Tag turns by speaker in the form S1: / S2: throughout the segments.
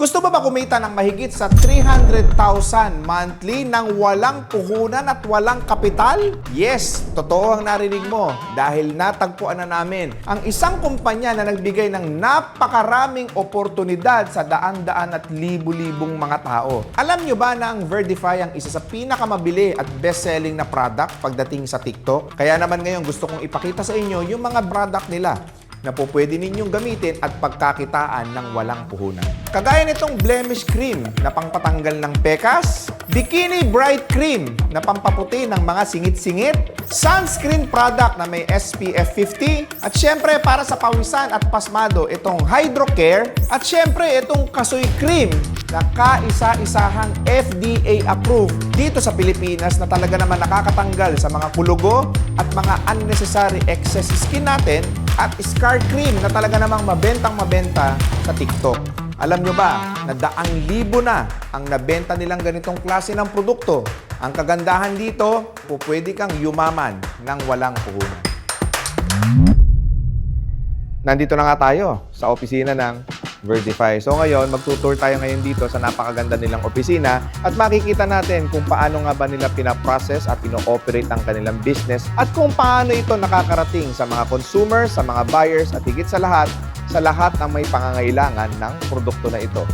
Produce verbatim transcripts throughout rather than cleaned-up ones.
S1: Gusto mo ba kumita ng mahigit sa three hundred thousand monthly nang walang puhunan at walang kapital? Yes, totoo ang narinig mo dahil natagpuan na namin ang isang kumpanya na nagbigay ng napakaraming oportunidad sa daan-daan at libu-libong mga tao. Alam nyo ba na ang Verdify ang isa sa pinakamabili at best-selling na product pagdating sa TikTok? Kaya naman ngayon gusto kong ipakita sa inyo yung mga product nila na po pwede ninyong gamitin at pagkakitaan ng walang puhunan. Kagaya nitong blemish cream na pangpatanggal ng pekas, bikini bright cream na pampaputi ng mga singit-singit, sunscreen product na may S P F fifty, at syempre para sa pawisan at pasmado itong Hydrocare, at syempre itong Kasoy cream na kaisa-isahang F D A approved dito sa Pilipinas na talaga naman nakakatanggal sa mga kulugo at mga unnecessary excess skin natin, at scar cream na talaga namang mabentang mabenta sa TikTok. Alam nyo ba na daang libo na ang nabenta nilang ganitong klase ng produkto? Ang kagandahan dito, pupwede kang yumaman ng walang puhunan. Nandito na nga tayo sa opisina ng Verdify. So ngayon, magtutour tayo ngayon dito sa napakaganda nilang opisina at makikita natin kung paano nga ba nila pinaprocess at pino-operate ang kanilang business at kung paano ito nakakarating sa mga consumers, sa mga buyers at higit sa lahat, sa lahat ng may pangangailangan ng produkto na ito.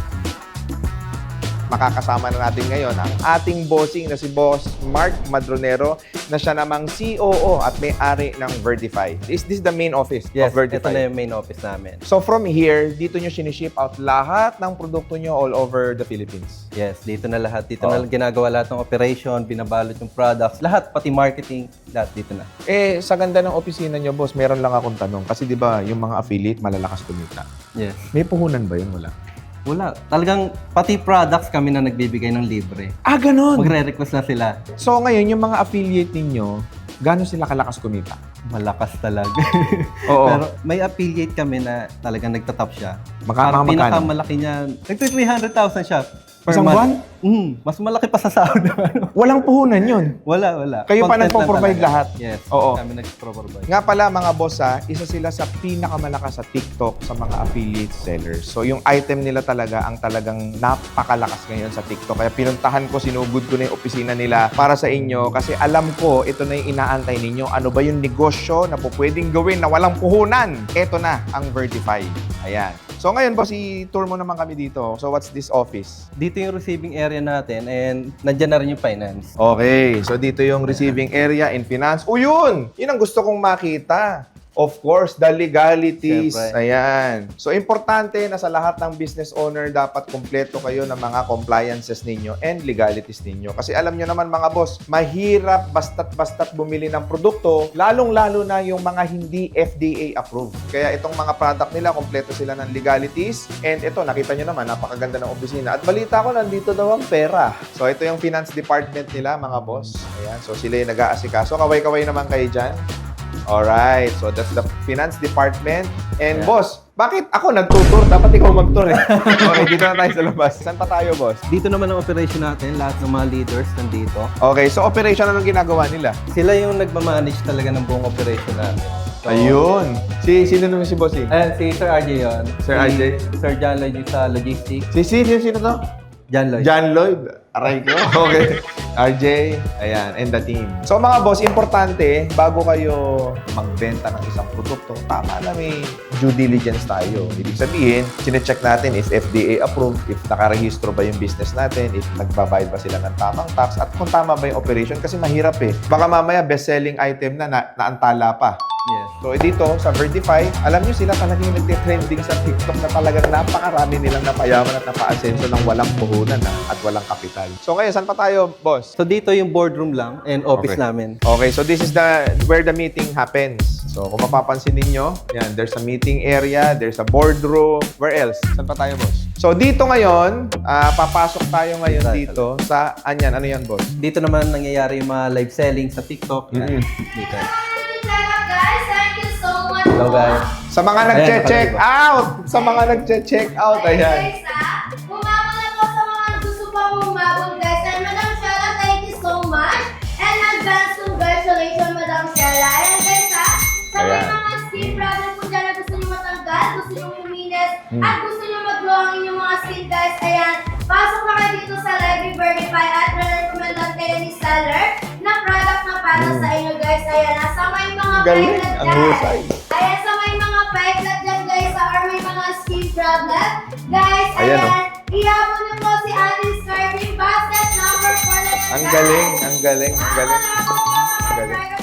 S1: Makakasama na natin ngayon ang ating bossing na si Boss Mark Madronero na siya namang C O O at may-ari ng Verdify. Is this the main office
S2: Yes,
S1: of Verdify?
S2: ito na yung main office namin.
S1: So from here, dito nyo siniship out lahat ng produkto nyo all over the Philippines?
S2: Yes, dito na lahat. Dito
S1: Oh.
S2: na ginagawa lahat ng operation, binabalot yung products, lahat, pati marketing, lahat dito na.
S1: Eh, sa ganda ng opisina nyo, boss, meron lang akong tanong. Kasi di ba yung mga affiliate malalakas kumita.
S2: Yes.
S1: May puhunan ba yun? Wala.
S2: Wala. Talagang pati products kami na nagbibigay ng libre.
S1: Ah, ganun!
S2: Magre-request na sila.
S1: So ngayon, yung mga affiliate ninyo, gano'n sila kalakas kumita?
S2: Malakas talaga.
S1: Oo.
S2: Pero may affiliate kami na talagang nagtatop siya.
S1: Magka-
S2: Parang
S1: magkano?
S2: pinakamalaki niya, nagti-three hundred thousand siya. per
S1: Isang
S2: month.
S1: buwan?
S2: Mm, mas malaki pa sa sahod. Ano.
S1: Walang puhunan yun.
S2: Wala, wala.
S1: Kayo pa
S2: Content lang
S1: nagpo-provide
S2: talaga.
S1: lahat?
S2: Yes.
S1: Oo.
S2: Kami nagpo-provide.
S1: Nga pala mga boss ha, isa sila sa pinakamalakas sa TikTok sa mga affiliate sellers. So yung item nila talaga ang talagang napakalakas ngayon sa TikTok. Kaya pinuntahan ko, sinugod ko na yung opisina nila para sa inyo kasi alam ko ito na yung inaantay ninyo. Ano ba yung negosyo na po pwedeng gawin na walang puhunan? Ito na ang Verdify. Ayan. So ngayon boss, i-tour mo naman kami dito. So what's this office?
S2: Dito yung receiving area natin and nandyan na rin yung finance.
S1: Okay, so dito yung receiving area in finance. O yun! Yun ang gusto kong makita. Of course, the legalities.
S2: Siyempre.
S1: Ayan. So, importante na sa lahat ng business owner, dapat kumpleto kayo ng mga compliances ninyo and legalities ninyo. Kasi alam nyo naman mga boss, mahirap basta't-basta't bumili ng produkto, lalong-lalo na yung mga hindi F D A approved. Kaya itong mga product nila, kumpleto sila ng legalities. And ito, nakita nyo naman, napakaganda ng opisina. At balita ko, nandito daw ang pera. So, ito yung finance department nila, mga boss. Ayan. So, sila yung nag-aasikaso. Kaway-kaway naman kayo dyan. Alright, so that's the finance department. And
S2: Yeah.
S1: boss, bakit ako nagtutur? Dapat ikaw mag-tour eh. Okay, dito na tayo sa labas. Saan pa tayo, boss?
S2: Dito naman ang operation natin, lahat ng mga leaders nandito.
S1: Okay, so operation, anong ginagawa nila?
S2: Sila yung nagmamanage talaga ng buong operation natin. So,
S1: Ayun. Si, sino naman si boss eh?
S2: Ayan, si Sir R J yun.
S1: Sir
S2: Si
S1: R J?
S2: Sir John Lloyd yung sa logistics.
S1: Si, si, sino, sino to?
S2: John Lloyd.
S1: John Lloyd. Aray ko. Okay. R J, ayan, and the team. So mga boss, importante, bago kayo magbenta ng isang produkto, tama na may due diligence tayo. Ibig sabihin, sinecheck natin if F D A approved, if nakarehistro ba yung business natin, if nagbabayad ba sila ng tamang tax, at kung tama ba yung operation. Kasi mahirap eh. Baka mamaya best-selling item na, na naantala pa.
S2: Yes.
S1: So dito, sa Verdify, alam nyo sila talagang yung nagtitrending sa TikTok na talagang napakarami nilang napayaman at napaasenso ng walang puhunan na, at walang kapital. So ngayon, saan pa tayo, boss?
S2: So dito yung boardroom lang and office
S1: Okay.
S2: namin.
S1: Okay, so this is the where the meeting happens. So kung mapapansin ninyo, yan, there's a meeting area, there's a boardroom. Where else? Saan pa tayo, boss? So dito ngayon, ah, papasok tayo ngayon dito sa, anyan, ano yan, boss?
S2: Dito naman nangyayari yung mga live selling sa TikTok. Yan.
S1: Mhm.
S2: Dito.
S3: Guys, thank you so much.
S2: Hello guys.
S1: Sa mga
S2: Ayan,
S1: nagche-check
S2: nakalagay
S1: out! Sa mga nagche-check out, ayan.
S3: Guys, ah, bumabol ako sa mga gusto pang bumabol, guys. And Madam Shella, thank you so much. And advance congratulations, Madam Shella. And guys, ah, sa may
S1: Ayan.
S3: mga skin problem po dyan na gusto nyo matanggal, gusto nyo kuminis,
S1: Hmm.
S3: at gusto nyo mag-glow ang inyong mga skin sale guys, ayan, pasok na kayo dito sa Live Verify at re-recommendan kayo ni seller na product na para sa inyo guys. Ayan, nasa may mga
S1: Galing,
S3: peklat
S1: ang
S3: dyan.
S1: husay.
S3: Ayan, sa may mga peklat dyan guys, or may mga skin problem. Guys,
S1: Ayan,
S3: ayan,
S1: oh.
S3: ihapon niyo po si Ating Starting Basket number four na yan,
S1: Ang
S3: guys.
S1: galing, ang galing, ang galing.
S3: Ang
S1: galing.
S3: galing.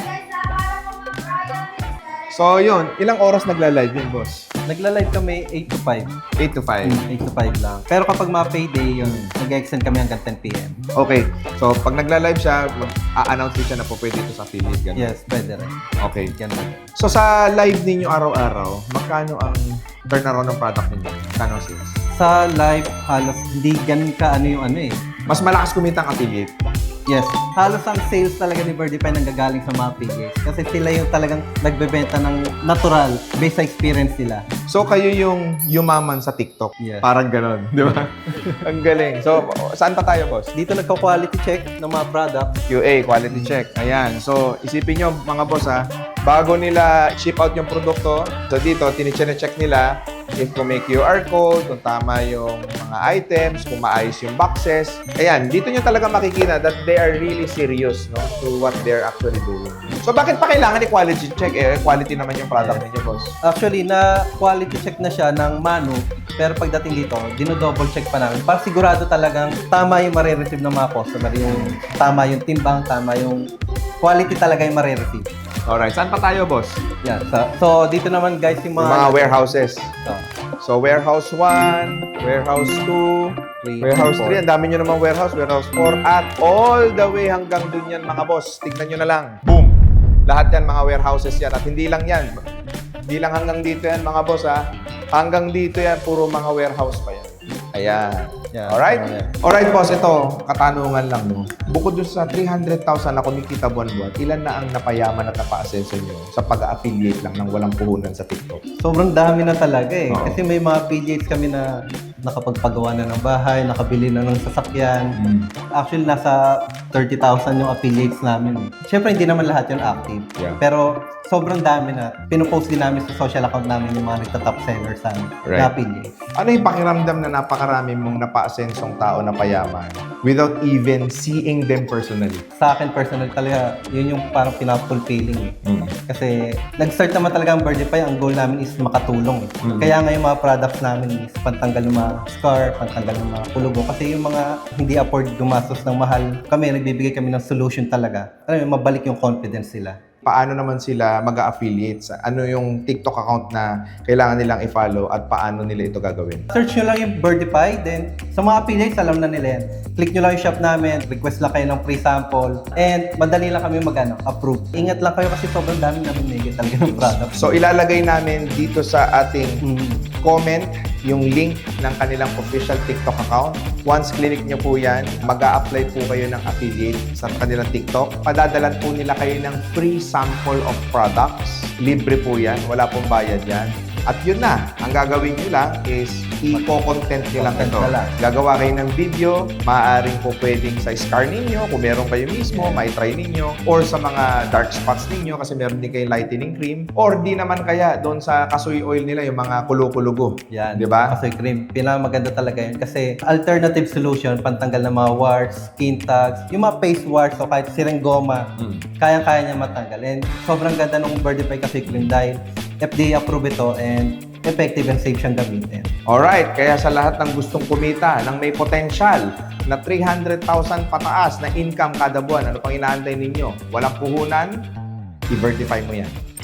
S1: So yun, ilang oras nagla-live yun, boss?
S2: Nagla-live kami eight to five.
S1: eight to five.
S2: eight to five lang. Pero kapag mga payday, yun, nag-extend kami hanggang ten p.m.
S1: Okay. So pag nagla-live siya, mag-a-announce din siya na po pwede ito sa affiliate. Ganun.
S2: Yes, pwede rin.
S1: Okay.
S2: Ganun.
S1: So sa live ninyo araw-araw, magkano ang turnaround ng product ninyo? Kano sales?
S2: Sa live, halos hindi ganun ka ano yung ano eh.
S1: Mas malakas kumita ang affiliate.
S2: Yes, halos ang sales talaga ni Birdify nanggagaling sa mga P Js. Kasi sila yung talagang nagbebenta ng natural based sa experience nila.
S1: So kayo yung yumaman sa TikTok.
S2: Yes.
S1: Parang ganon, di ba? Ang galing. So saan pa tayo, boss?
S2: Dito nagka-quality check ng mga products.
S1: Q A, quality check. Ayan. So, isipin nyo, mga boss ha, bago nila ship out yung produkto, so dito, tinicheck nila if kung may Q R code, kung tama yung mga items, kung maayos yung boxes. Ayan, dito nyo talaga makikita that they are really serious no, to what they're actually doing. So, bakit pa kailangan i-quality check? Eh, quality naman yung product ninyo, boss.
S2: Actually, na quality check na siya ng Manu. Pero pagdating dito, dino-double check pa namin. Para sigurado talagang tama yung marireceive ng mga customer. Yung tama yung timbang, tama yung quality talaga yung marireceive.
S1: Alright, saan pa tayo, boss?
S2: Yan. So, so dito naman guys yung
S1: Yung
S2: mga...
S1: mga warehouses.
S2: So,
S1: So, warehouse one, warehouse two,
S2: three,
S1: warehouse
S2: four.
S1: three, ang dami nyo namang warehouse, warehouse four, at all the way hanggang dun yan, mga boss. Tignan nyo na lang. Boom! Lahat yan, mga warehouses yan. At hindi lang yan. Hindi lang hanggang dito yan, mga boss, ha. Hanggang dito yan, puro mga warehouse pa yan. Ayan.
S2: Yeah,
S1: Alright?
S2: yeah.
S1: Alright, boss. Ito, katanungan lang, no. Bukod dun sa three hundred thousand na kumikita buwan-buwan, ilan na ang napayaman at napa-asenso nyo sa pag-affiliate lang ng walang puhunan sa TikTok?
S2: Sobrang dami na talaga eh.
S1: Oo.
S2: Kasi may mga P Js kami na nakapagpagawa na ng bahay, nakabili na ng sasakyan. Actually, nasa thirty thousand yung affiliates namin. eh. Siyempre, hindi naman lahat yun active.
S1: Yeah.
S2: Pero sobrang dami na. Pinopost din namin sa social account namin yung mga nagta-top sellers sa
S1: Right.
S2: na affiliates.
S1: Ano yung pakiramdam na napakarami mong napa-asensong tao na payaman without even seeing them personally?
S2: Sa akin, personal talaga, yun yung parang pinaka-fulfilling eh.
S1: Mm.
S2: Kasi nag-start naman talaga ang Birdify, ang goal namin is makatulong eh.
S1: Mm.
S2: Kaya nga yung mga products namin is pantanggal ng mga scar, pantanggal ng mga kulugo. Kasi yung mga hindi afford gumastos ng mahal, kami, nagbibigay kami ng solution talaga. Ano yung mabalik yung confidence nila.
S1: Paano naman sila mag-affiliate? Ano yung TikTok account na kailangan nilang i-follow at paano nila ito gagawin?
S2: Search nyo lang yung Birdify, then sa mga affiliates, alam na nila yan. Click nyo lang yung shop namin, request lang kayo ng free sample, and madali lang kami mag-ano, approve. Ingat lang kayo kasi sobrang dami namin nigit talaga ng product.
S1: So ilalagay namin dito sa ating
S2: Mm.
S1: comment yung link ng kanilang official TikTok account. Once clinic nyo po yan, mag-a-apply po kayo ng affiliate sa kanilang TikTok. Padadalan po nila kayo ng free sample of products. Libre po yan. Wala pong bayad yan. At yun na, ang gagawin nyo lang is i-content nyo lang
S2: Content
S1: ito.
S2: na lang.
S1: Gagawa kayo ng video, maaaring po pwedeng sa scar ninyo, kung meron kayo mismo, mai-try ninyo, or sa mga dark spots ninyo kasi meron din kayo lightening cream, or di naman kaya doon sa kasoy oil nila, yung mga kulo-kulugo.
S2: Yan.
S1: Di ba?
S2: Kasoy cream. Pinakamaganda talaga yun. Kasi alternative solution, pantanggal ng mga warts, skin tags, yung mga face warts o kahit sireng goma,
S1: Mm.
S2: kayang-kaya niya matanggal. And sobrang ganda ng Birdify Kasoy cream dahil F D A approved ito and effective and safe siyang gamitin.
S1: Alright, kaya sa lahat ng gustong kumita ng may potential na three hundred thousand pataas na income kada buwan, ano pang inaantay ninyo? Walang puhunan, i-verify mo yan.